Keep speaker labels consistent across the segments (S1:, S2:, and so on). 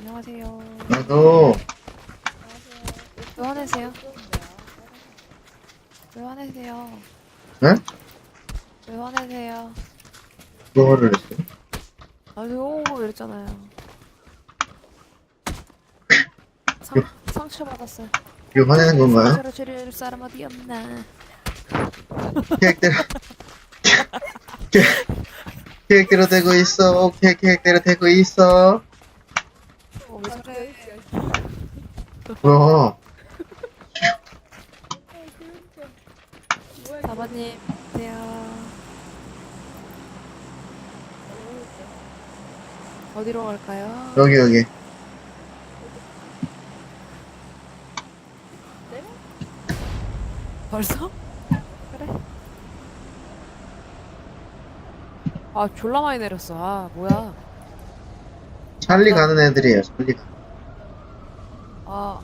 S1: 안녕하세요.
S2: 나도
S1: 왜 화내세요? 왜 화내세요?
S2: 네?
S1: 왜 화내세요?
S2: 그거를 했어.
S1: 아유, 이랬잖아요.
S2: 요,
S1: 상처받았어요.
S2: 요 화내는 건가요?
S1: 상처를 줄일 사람 어디 없나?
S2: 계획대로 계획, 계획대로 되고 있어. 오케이, 계획대로 되고 있어.
S1: 왜 저래?
S2: 뭐야?
S1: 사바님, 안녕하세요. 어디로 갈까요?
S2: 여기.
S1: 벌써? 그래. 아, 졸라 많이 내렸어. 아, 뭐야.
S2: 찰리 가는 애들이에요. 찰리가.
S1: 아,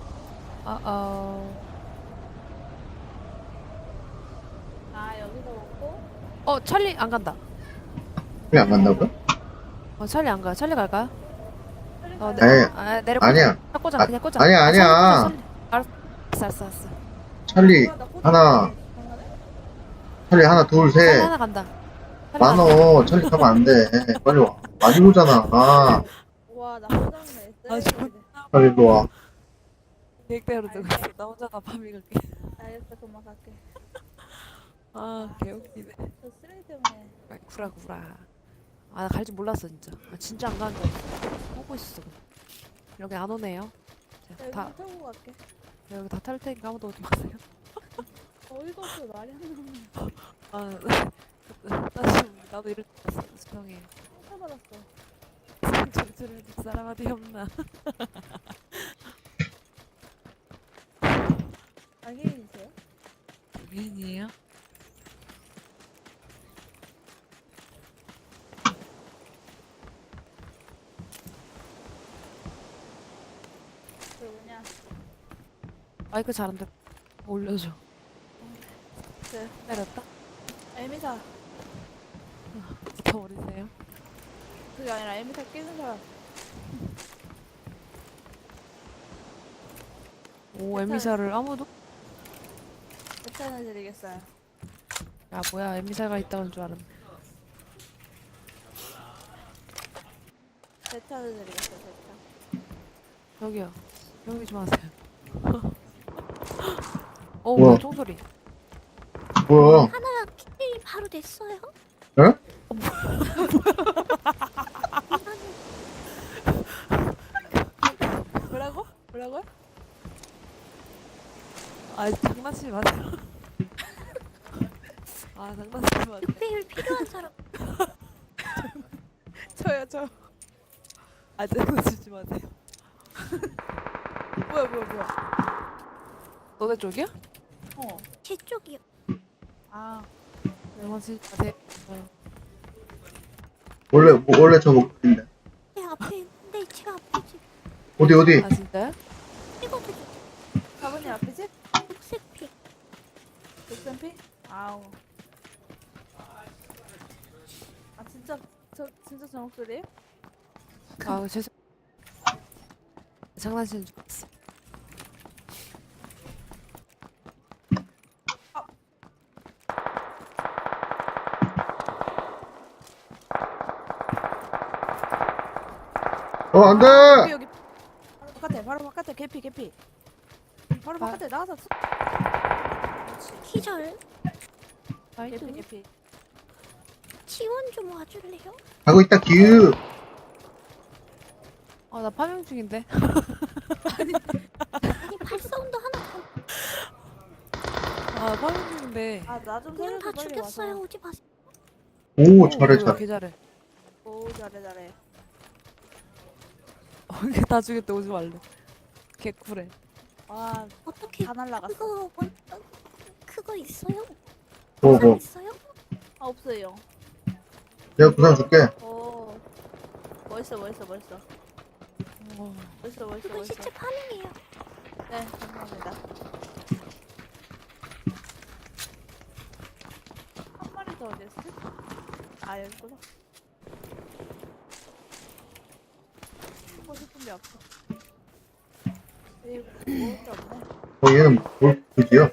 S3: 여기서 먹고
S1: 찰리 안 간다.
S2: 찰리 안 간다고요?
S1: 찰리 안 가. 찰리 갈까요? 내려 꽂아.
S2: 아니야.
S1: 꽂아,
S2: 아,
S1: 그냥 꽂아.
S2: 아니야.
S1: 찰리 꽂아, 찰리. 알았어.
S2: 찰리
S3: 나 꽂아
S2: 하나, 찰리 하나, 둘,
S1: 찰리
S2: 셋.
S1: 하나 간다. 찰리 하나 간다.
S2: 많어. 찰리 가면 안 돼. 빨리 와. 많이 오잖아.
S3: 와나 꽂았네
S1: 아,
S3: 쓰레기
S2: 찰리 일로 와.
S1: 계획대로 되고 있어. 나 혼자 다 파밍 갈게.
S3: 알겠어 그만 갈게
S1: 아, 개웃기네.
S3: 저 쓰레기 때문에
S1: 구라. 아, 나 갈 줄 몰랐어, 진짜. 진짜 안 가는 줄 알았어. 보고 있었어. 여기 안 오네요.
S3: 나 여기
S1: 다,
S3: 타고 갈게
S1: 여기 다 탈 테니까 아무도 오지 마세요.
S3: 어이가 없어 말이 안 나오네
S1: 아, 나 지금, 나도 이럴 줄 알았어. 죄송해요.
S3: 상처받았어
S1: 상처를 줄여줄 사람 어디 없나.
S3: 장애인이세요?
S1: 미인이에요?
S3: 그 뭐냐
S1: 마이크 잘 안 들어. 올려줘.
S3: 그
S1: 내렸다?
S3: 에미사
S1: 더 어리세요?
S3: 그게 아니라 에미사 끼는 사람
S1: 오, 에미사를 아무도?
S3: 추천해드리겠어요
S1: 야, 뭐야, 에미사가 있다는 줄 알았네.
S3: 추천해드리겠어요 대타
S1: 저기요. 조용히 좀 하세요.
S2: 뭐야?
S1: 뭐야, 총소리.
S2: 뭐야?
S4: 하나 킬이 바로 됐어요?
S2: 응?
S1: 뭐라고요? 아, 장난치지 마세요. 아, 장난치지 마세요.
S4: 6배율 필요한 사람
S1: 저요. 아, 장난치지 마세요.
S3: 뭐야
S1: 너네 쪽이야?
S4: 제 쪽이요.
S3: 아
S1: 장난치지 마세요.
S2: 원래 저 목표인데.
S4: 제 앞에 있는데 제 앞에 지금
S2: 어디?
S1: 아, 진짜요?
S4: 찍어드려.
S3: 사부님 앞이지?
S4: 녹색 피.
S3: 녹센피? 아우 아 진짜 저 목소리에요?
S1: 아, 죄송. 장난치는 줄 알았어.
S2: 안 돼!
S3: 여기 바로 바깥에 개피 바로 바깥에 나가서
S4: 기절.
S1: 나이스.
S3: 개피
S4: 지원 좀 와줄래요?
S2: 가고 있다, 규!
S1: 나 파밍 중인데.
S4: 아니 발사운드 하나 더.
S1: 아, 파밍 중인데.
S3: 아 나 좀
S4: 그냥
S3: 살려줘
S4: 다
S3: 빨리
S4: 죽였어요.
S3: 와서
S4: 오지 마세요.
S2: 오, 잘해.
S1: 개 잘해.
S3: 오 잘해
S1: 이게 다 죽였대, 오지 말래. 개 쿨해.
S3: 와
S4: 어떻게
S3: 다 날라갔어
S4: 그거 있어요?
S2: 뭐.
S4: 부상 있어요?
S3: 아 없어요
S2: 내가 부상 줄게.
S3: 오 멋있어
S1: 어,
S4: 그거 시체 파밍이에요.
S3: 네 감사합니다 한 마리 더 어디였어? 아 여기구나 하고 싶은 준비 없어. 이거 먹을 게 없네.
S2: 얘는 뭘 그지요?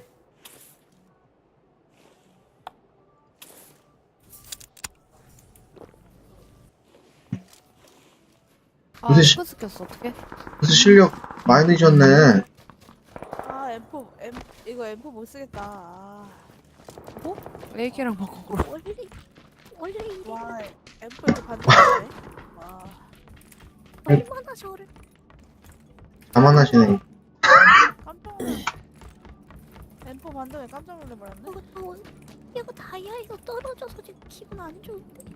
S1: 아
S2: 무슨 시-
S1: 스크스 꼈어 어떡해?
S2: 그래서 실력 많이 늦었네.
S3: 아 이거 M4 못 쓰겠다. 아.
S1: AK랑 바꿔 그럼.
S4: 원래 이래.
S3: 와 M4 이렇게 반대네. 와.
S4: 얼마나 저를
S2: 자만하시네.
S3: 깜짝 놀랐네. M4 반대에 깜짝 놀래버렸네.
S4: 이거 다이아에서 떨어져서 지금 기분 안 좋은데.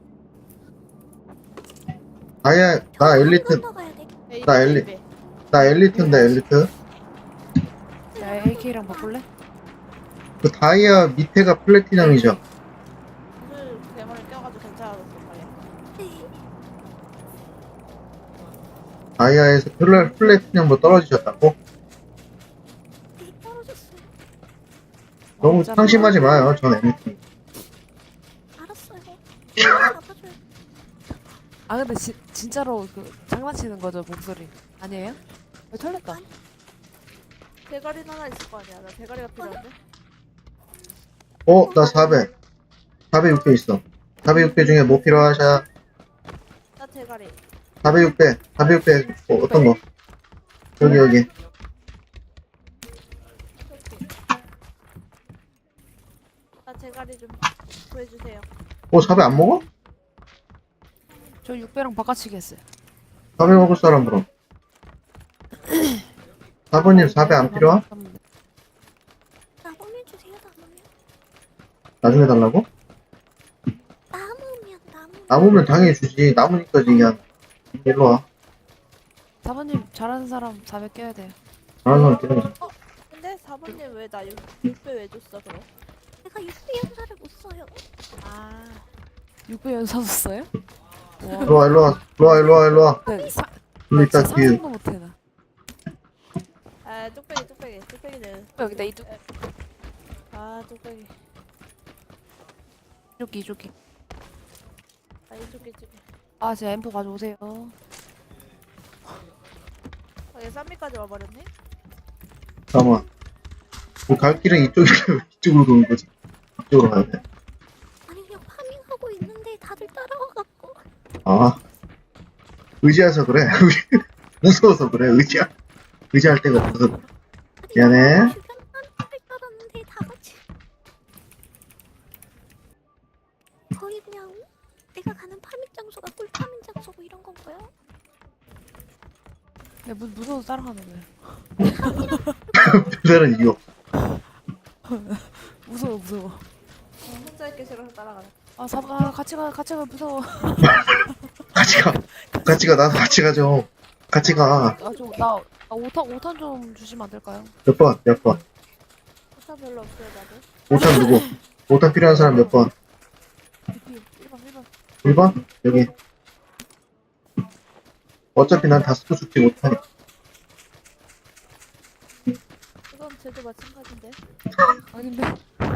S2: 아예 나 엘리트
S4: 건너가야 돼.
S2: 나 나 엘리트인데 엘리트.
S1: 야 AK랑 바꿀래?
S2: 그 다이아 밑에가 플래티넘이죠.
S3: 그 대머리 껴가지고 괜찮았어 말이야.
S4: 네.
S2: 다이아에서 플래티넘으로 떨어지셨다고?
S4: 네, 떨어졌어요.
S2: 너무
S1: 진짜
S2: 상심하지 마요. 전 엘리트.
S4: 알았어요. 잡아줘요.
S1: 아 근데 진짜로 그 장난치는 거죠 목소리 아니에요? 털렸다.
S3: 대가리 하나 있을 거 아니야. 나 대가리가 필요한데.
S2: 나 400. 400, 600 있어. 400, 600 중에 뭐 필요하셔?
S3: 나 대가리.
S2: 400, 600. 400, 600. 어떤 거? 여기.
S3: 오케이. 나 대가리 좀 구해주세요.
S2: 400 안 먹어?
S1: 저 6배랑 바꿔치기 했어요.
S2: 400 먹을 사람 그럼. 4번님 400 안 필요함?
S4: 나무면 주세요. 나무면.
S2: 나중에 달라고?
S4: 나무면.
S2: 남으면 당연히 주지. 남으니까 그냥 일로 와.
S1: 4번님 잘하는 사람 400 껴야 돼요.
S2: 잘하는 사람 끼는
S3: 근데 4번님 왜 나 6배 왜 줬어 그럼?
S4: 내가 육비 연사를 못 써요.
S3: 아
S1: 6배 연사 줬어요?
S2: 일로 와, 일로 와. 일로 와, 일로 와, 일로 와.
S1: 네,
S2: 일로 있다,
S1: 진짜
S2: 뒤에.
S1: 상상도 못해 나.
S3: 아, 뚝배기는.
S1: 여기다 이쪽
S3: 아, 뚝배기.
S1: 이쪽이.
S3: 아, 이쪽에.
S1: 아 제가 M4 가져오세요.
S3: 아, 얘 쌈미까지 와버렸네?
S2: 잠깐만. 갈 길은 이쪽으로 도는 거지. 이쪽으로 가야 돼.
S4: 아니 그냥 파밍하고 있는데 다들 따라와갖고.
S2: 아. 의지해서 그래. 무서워서 그래, 의지할 데가 없어서 그래.
S4: 아니,
S2: 미안해.
S4: 주변 파밍을 따랐는데 다 같이. 거의 그냥 내가 가는 파밍 장소가 꿀 파밍 장소고 이런 건가요?
S1: 네, 무서워서 따라가는 거예요.
S2: 별다른 이유 없어.
S1: 무서워.
S3: 혼자 있기 싫어서 따라가네.
S1: 아 4번 같이 가 무서워.
S2: 같이 가, 나도 같이 가죠. 같이 가.
S1: 나 5탄 좀 주시면 안 될까요?
S2: 몇 번?
S3: 포탑 별로 없어요, 나도.
S2: 5탄 누구? 5탄 필요한 사람 몇 번?
S1: 1번
S2: 1번? 여기. 어차피 난 다 쓰고 죽지 못하니까.
S3: 이건 쟤도 마찬가지인데.
S1: 아닌데.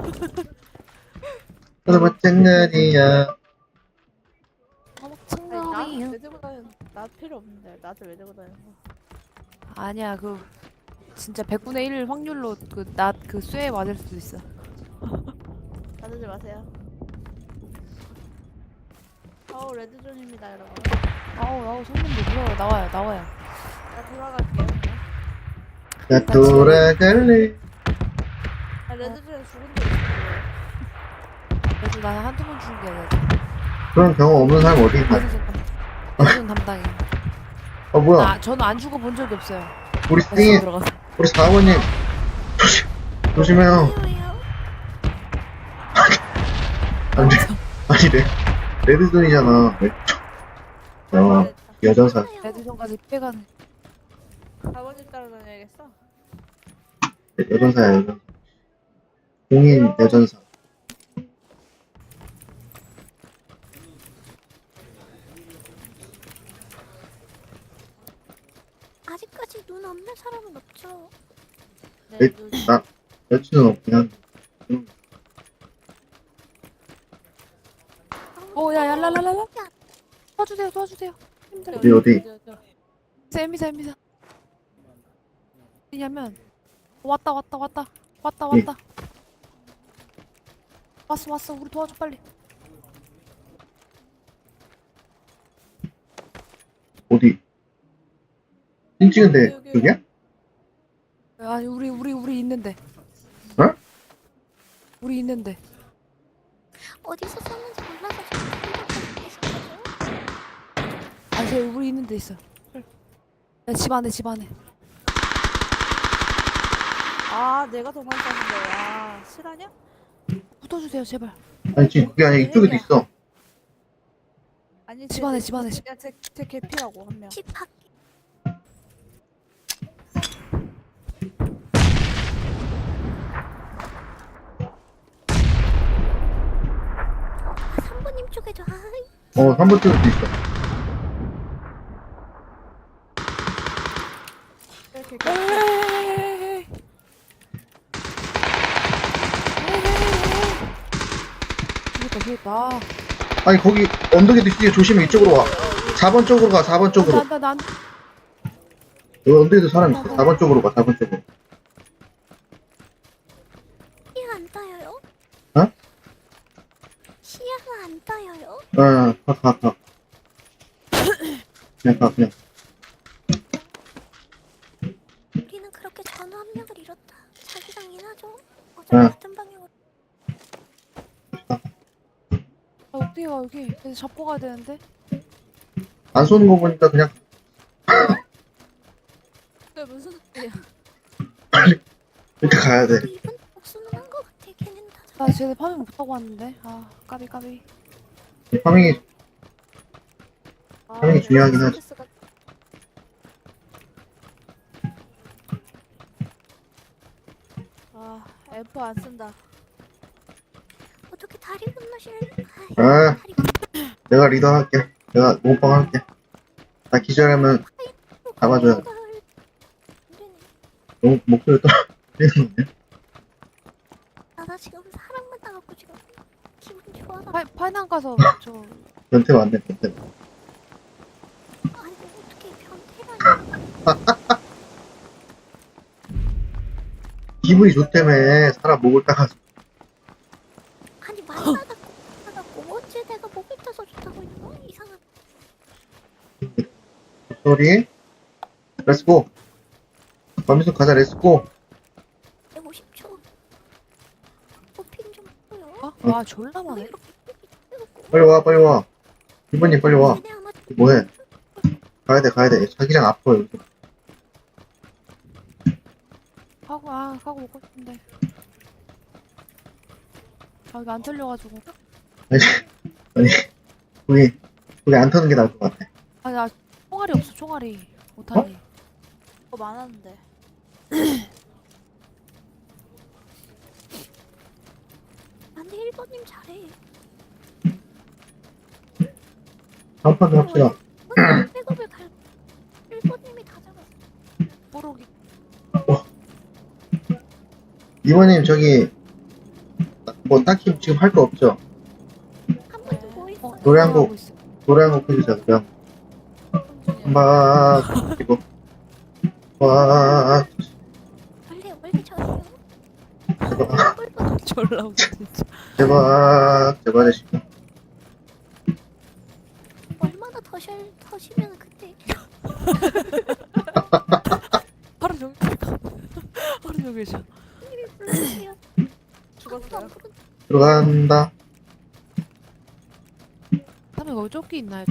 S2: 그래서 마찬가지야.
S3: 아니, 나왜 들고 다니는, 나 필요 없는데. 나한테 왜 들고 다니는 거야?
S1: 아니야 진짜 100분의 1 확률로 그 쇠에 맞을 수도 있어.
S3: 받으지 마세요. 아우, 레드존입니다, 여러분.
S1: 아우 손님들 무서워. 나와요.
S3: 나 돌아갈게요.
S2: 나 돌아갈래.
S3: 아, 레드존에 죽은 적 있어.
S1: 그래서 나는 한두 번 죽은 게 아니라
S2: 그런 경험 없는 사람 어디 있나?
S1: 대전 담당이.
S2: 뭐야.
S1: 저는 안 죽어본 적이 없어요.
S2: 우리
S1: 다시
S2: 띵이,
S1: 들어가서.
S2: 우리 4번님. 조심해요.
S4: 왜요?
S2: 안 돼. 아니, 레드존이잖아. 여전사.
S1: 대전까지 빼가는.
S3: 아버님 따라다녀야겠어.
S2: 여전사야, 여전사. 공인 여전사.
S4: 아직까지 눈 없는 사람은 없죠.
S2: 네, 나, 여친은 없긴 한데.
S1: 야 랄랄랄랄라. 도와주세요. 힘들어.
S2: 어디?
S1: 에미사. 왜냐면 왔다.
S2: 예.
S1: 왔어. 우리 도와줘 빨리.
S2: 어디? 핀 찍은데
S3: 여기.
S2: 그게야?
S1: 아니 우리 있는데.
S2: 어?
S1: 우리 있는데.
S4: 어디서 쐈는지 몰라서 지금 있었거든요.
S1: 아니 저 우리 있는데 있어. 야, 집 안에.
S3: 아 내가 도망쳤는데. 아 실화냐?
S1: 붙어주세요 제발.
S2: 아니 지금 그게 아니라 이쪽에도 있어.
S3: 아니
S1: 집 안에.
S3: 제 개피라고 한 명.
S4: 집 밖. 아, 3번님 쪽에도 아
S2: 3번 쪽에도 있어.
S3: 이렇게
S1: 에이. 그러니까.
S2: 아니 거기 언덕에도 있으니 조심해. 이쪽으로 와. 4번 쪽으로 가. 4번 쪽으로.
S1: 난
S2: 여기 언덕에도 사람 있어. 4번 쪽으로 가. 4번 쪽으로.
S4: 시야 안 따여요?
S2: 어?
S4: 시야가 안 따여요?
S2: 가. 그냥 가.
S4: 우리는 그렇게 전후 한 명을 잃었다. 자기장이 나죠? 어차피
S2: 응.
S4: 같은 방향으로.
S1: 어디가 여기? 그래서 잡고 가야 되는데.
S2: 안 쏘는 거 보니까 그냥
S3: 그게 무슨 소리야?
S2: 이렇게 가야 돼.
S4: 이분 복수는 한 것 같아. 걔는 다
S1: 나 쟤네 파밍 못하고 왔는데. 아 까비.
S2: 파밍이
S3: 아,
S2: 당연히 중요하긴 하지.
S3: 스트레스가- 아 앰프 안 쓴다.
S4: 어떻게 다리 건너실?
S2: 아.
S4: 다리 건너.
S2: 내가 리더 할게. 내가 몸빵 할게. 나 기절하면 잡아줘야 돼.
S4: 안 되네.
S2: 너무 목소리 떨리는
S4: 나 지금 사람 만나갖고 지금 기분 좋아서.
S1: 파이난 가서 저
S2: 변태 맞네, 변태.
S4: 아니 어떻게 변태라니?
S2: 기분이 좋다며. 사람 목을 따가지고.
S4: 아니 만나갖고 언제 내가 목을 따서 좋다고 있는 거야? 이상한.
S2: 소리. 렛츠고. 범인수 가자, 렛츠고.
S4: 150초. 호핑 좀 보여.
S1: 와 졸라
S4: 왜
S1: 많네.
S4: 이렇게 삐삐삐삐삐삐.
S2: 빨리 와. 이번님 빨리 와.
S4: 얘네 아마
S2: 뭐해? 가야 돼. 자기장 아파, 여기.
S1: 가고 먹고 싶은데. 아 이거 안 털려가지고.
S2: 거기 안 타는 게 나을 것 같아.
S1: 나 총알이 없어 총알이. 못하니.
S3: 그거 많았는데.
S4: 안돼 1번님 잘해.
S2: 다음 판도 합시다.
S4: 백업을 갈. 1번님이 다 잡았어.
S1: 뽀록이.
S2: 이번님, 저기, 뭐, 딱히 지금 할 거 없죠?
S4: 한 번도 뭐 있어?
S2: 노래 한 곡.
S1: 하고 있어.
S2: 노래 한 곡 해주세요, 노래 한 곡. 막, 그리고, 와,
S4: 원래 저래요.
S2: 제발,
S4: 꿀벌
S1: 졸라 웃겨 진짜.
S2: 제발 해주시고.
S4: 얼마나 더시면 그때
S1: 하루 종일 하루 종일 자.
S4: 님이 불러주세요. 아무도 안 부른.
S2: 들어간다.
S1: 다음에 거기 조끼 있나요?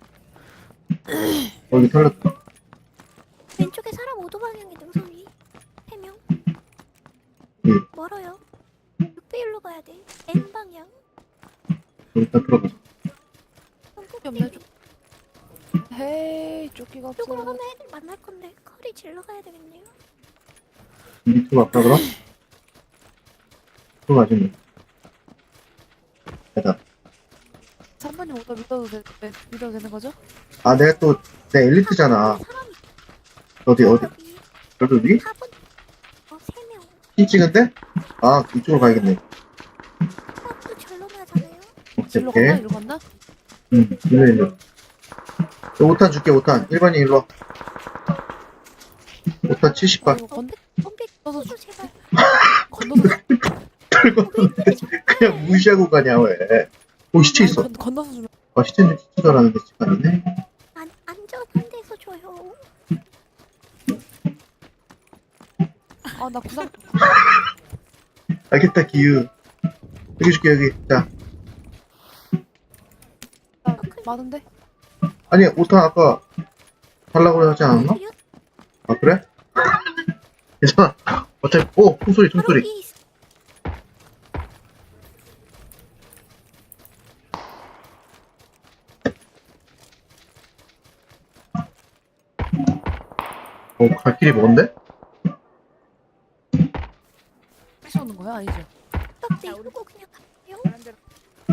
S2: 여기 털렸다.
S4: 왼쪽에 사람 오도 방향에 능선이 3명. 멀어요. 6배1로 가야 돼. N 방향.
S2: 일단 들어가자.
S1: 조끼 없네 조. 헤이 조끼가 없어.
S4: 이쪽으로 가면 애들 만날 건데 커리 질러 가야 되겠네요.
S2: 밑으로 갈까, 그럼? 들어가지, 뭐. 됐다.
S1: 3번님 오더 믿어도 되는 거죠?
S2: 아, 내가 또, 내 엘리트잖아.
S4: 사람이
S2: 어디?
S4: 여기
S2: 여기?
S4: 4번 3명.
S2: 핀 찍은데? 아, 이쪽으로 가야겠네.
S4: 사람도 절로 가잖아요.
S2: 오케이,
S1: 일로
S2: 오케이.
S1: 갔나? 일로 갔나?
S2: 일로. 저 5탄 줄게, 5탄. 1번님 일로 와. 좋다,
S1: 아,
S2: 70발.
S1: 이거
S4: 덤비
S1: 건너서
S4: 줘 제발.
S1: 건너서 주-
S2: 그냥 무시하고 가냐, 왜. 오, 시체
S1: 아니,
S2: 있어.
S1: 건너서 주면
S2: 아, 시체인데 시체도 알았는데 시체가 아니네.
S4: 안전한 데서 줘요.
S1: 아 나 구상
S2: 알겠다, 기유. 여기 줄게, 여기. 자.
S1: 나 많은데?
S2: 아니, 5탄 아까 달라고 하지 않았나?
S4: 그리고
S2: 아, 그래? 괜찮아. 어차피, 오! 총소리,
S4: 바로
S2: 총소리.
S4: 위에 있어.
S2: 갈 길이 먼데?
S1: 다시 오는 거야? 아니죠?
S4: 딱 내리고 그냥 갈게요.
S3: 다른 데로.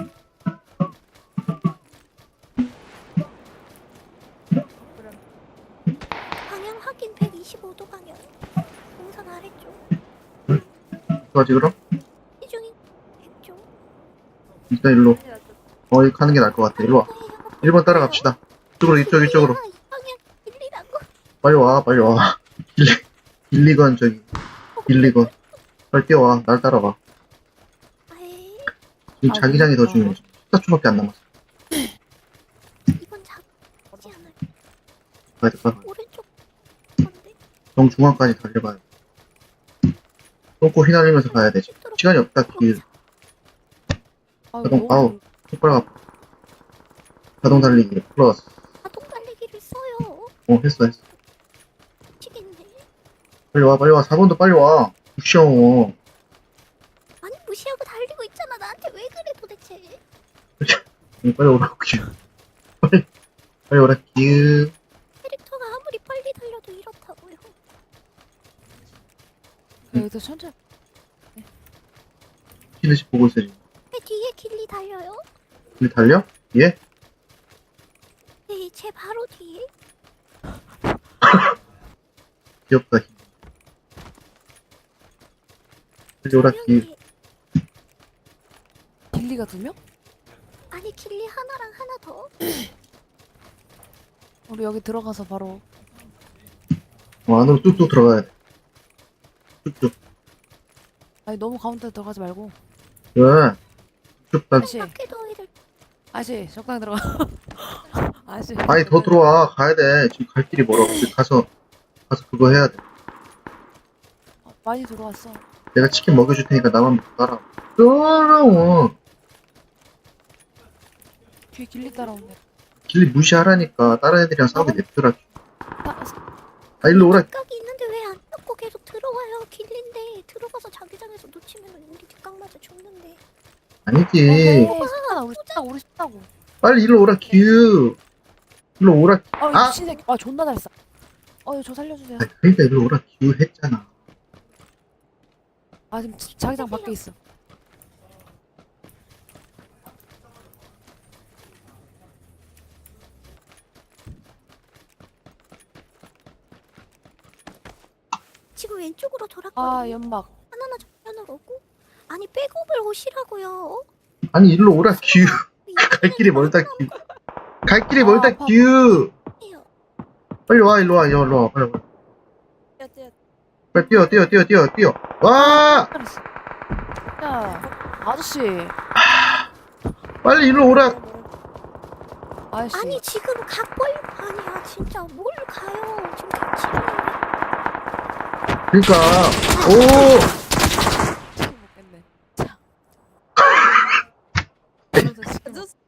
S3: 그럼
S4: 방향 확인 125도 방향. 동산 아래쪽.
S2: 어떡하지, 그럼?
S4: 시중이 왼쪽.
S2: 일단 일로. 여기 가는 게 나을 것 같아. 일로 와. 1번 따라갑시다. 이쪽으로, 이쪽으로.
S4: 이 방향 길리라고.
S2: 빨리 와, 빨리 와. 빌리건, 저기. 빌리건. 빨리 뛰어와. 날 따라와.
S4: 아이,
S2: 지금
S1: 아,
S2: 자기장이 더
S1: 그러니까.
S2: 중요해. 14초밖에 안 남았어.
S4: 이번 잡지 않아요.
S2: 가야 돼, 빨리.
S4: 오른쪽 건데.
S2: 정중앙까지 달려가야 돼. 똥꼬 휘날리면서 가야 돼. 시간이 없다, 길.
S1: 아,
S2: 자동,
S1: 너무
S2: 아우. 손가락 아파. 자동 달리기, 플러스.
S4: 자동 달리기를 써요.
S2: 했어.
S4: 미치겠네.
S2: 빨리 와, 빨리 와. 4번도 빨리 와. 무시하고.
S4: 아니 무시하고 달리고 있잖아. 나한테 왜 그래 도대체.
S2: 빨리 오라고, 길. 빨리 오라, 길.
S4: 캐릭터가 아무리 빨리 달려도 이렇다고요.
S1: 여기서 천천히
S2: 피드시 보고 있어, 지금.
S4: 내 뒤에 길리 달려요.
S2: 길 달려? 예?
S4: 네, 제 바로 뒤에.
S2: 귀엽다, 길. 빨리 오라,
S4: 두
S2: 길.
S4: 명이-
S1: 길리가 2명?
S4: 아니 길리 하나랑 하나 더.
S1: 우리 여기 들어가서 바로
S2: 안으로 뚝뚝 들어가야 돼. 뚝뚝.
S1: 아니 너무 가운데 들어가지 말고
S2: 왜? 쭉 다,
S1: 아저씨
S4: 밖에 너희들
S1: 아저씨 적당히 들어가 아저씨
S2: 아니, 더 들어와. 가야 돼. 지금 갈 길이 멀어. 지금 가서 그거 해야 돼.
S1: 많이 들어왔어
S2: 내가 치킨 먹여줄 테니까 나만 먹고 따라와. 따라와.
S1: 뒤에 길리 따라오네
S2: 길리 무시하라니까. 다른 애들이랑 싸우게 냅두라.
S1: 아,
S2: 아, 일로 오라.
S4: 뒷각이 있는데 왜 안 잡고 계속 들어와요. 길리인데 들어가서 자기장에서 놓치면 우리 뒷각 맞아 죽는데.
S2: 아니지.
S1: 쉽다 우리 쉽다고
S2: 빨리 일로 오라, 규. 일로 오라.
S1: 아
S2: 아!
S1: 미친 새끼 아 존나 잘 쏴. 저 살려주세요
S2: 아, 그러니까 일로 오라, 규 했잖아.
S1: 아 지금 자기장 밖에 있어
S4: 지금 왼쪽으로
S1: 아
S4: 돌았거든요.
S1: 연막
S4: 하나나 정면으로 오고. 아니 백업을 오시라고요.
S2: 아니, 일로 오라, 규. 갈 길이 멀다, 규. 갈 길이 멀다,
S1: 아파.
S2: 규.
S4: 해요.
S2: 빨리 와, 일로 와, 일로 와. 빨리 와.
S3: 뛰어.
S2: 빨리 뛰어. 와!
S1: 잘했어 야 아저씨
S2: 빨리 일로 오라.
S1: 아저씨
S4: 아니 지금 각 벌려. 아니야 진짜 뭘 가요. 지금 같이 있는데.
S2: 그러니까. 오!
S1: 치킨 먹겠네 자 그래서 치킨 먹-